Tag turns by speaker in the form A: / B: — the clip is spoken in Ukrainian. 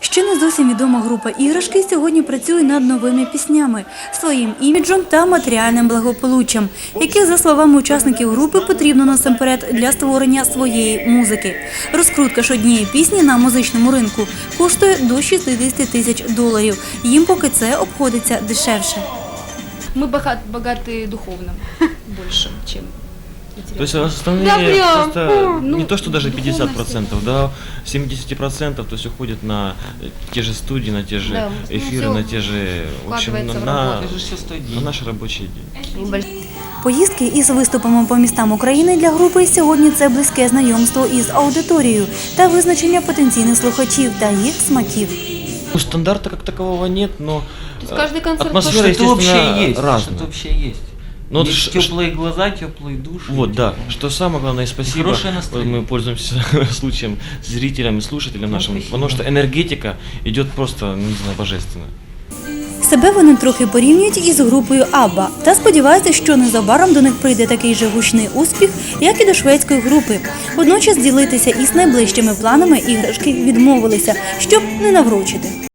A: Ще не зовсім відома група «Іграшки» сьогодні працює над новими піснями, своїм іміджем та матеріальним благополуччям, яких, за словами учасників групи, потрібно насамперед для створення своєї музики. Розкрутка ж однієї пісні на музичному ринку коштує до $60 000. Їм поки це обходиться дешевше.
B: Мы богаты духовно больше, чем
C: То есть
B: материально.
C: остальные просто
B: Ну,
C: не то, что даже
B: духовность.
C: 50%, да, 70%, то есть уходит на те же студии, на те же
B: Да, ну,
C: эфиры,
B: всё
C: на те же, в общем,
B: вкладывается в
C: на
B: работу.
D: Это же все стоит денег.
C: наш рабочий день.
A: Поїздки із виступами по містам України для групи сьогодні – це близьке знайомство із аудиторією та визначення потенційних слухачів та їх смаків.
C: Ну, стандарта как такового нет, но
B: То есть каждый концерт
C: атмосфера,
D: Что-то общее
C: естественно,
D: есть.
C: разная.
D: Что-то общее есть.
C: Ну,
D: Есть теплые глаза, теплые души.
C: Вот, да. Что самое главное, спасибо.
D: Хорошее настроение.
C: Мы пользуемся случаем зрителям и слушателям нашим,
D: спасибо.
C: потому что энергетика идет просто, ну, не знаю, божественно.
A: Себе вони трохи порівнюють із групою «Абба» та сподіваються, що незабаром до них прийде такий же гучний успіх, як і до шведської групи. Водночас ділитися із найближчими планами іграшки відмовилися, щоб не наврочити.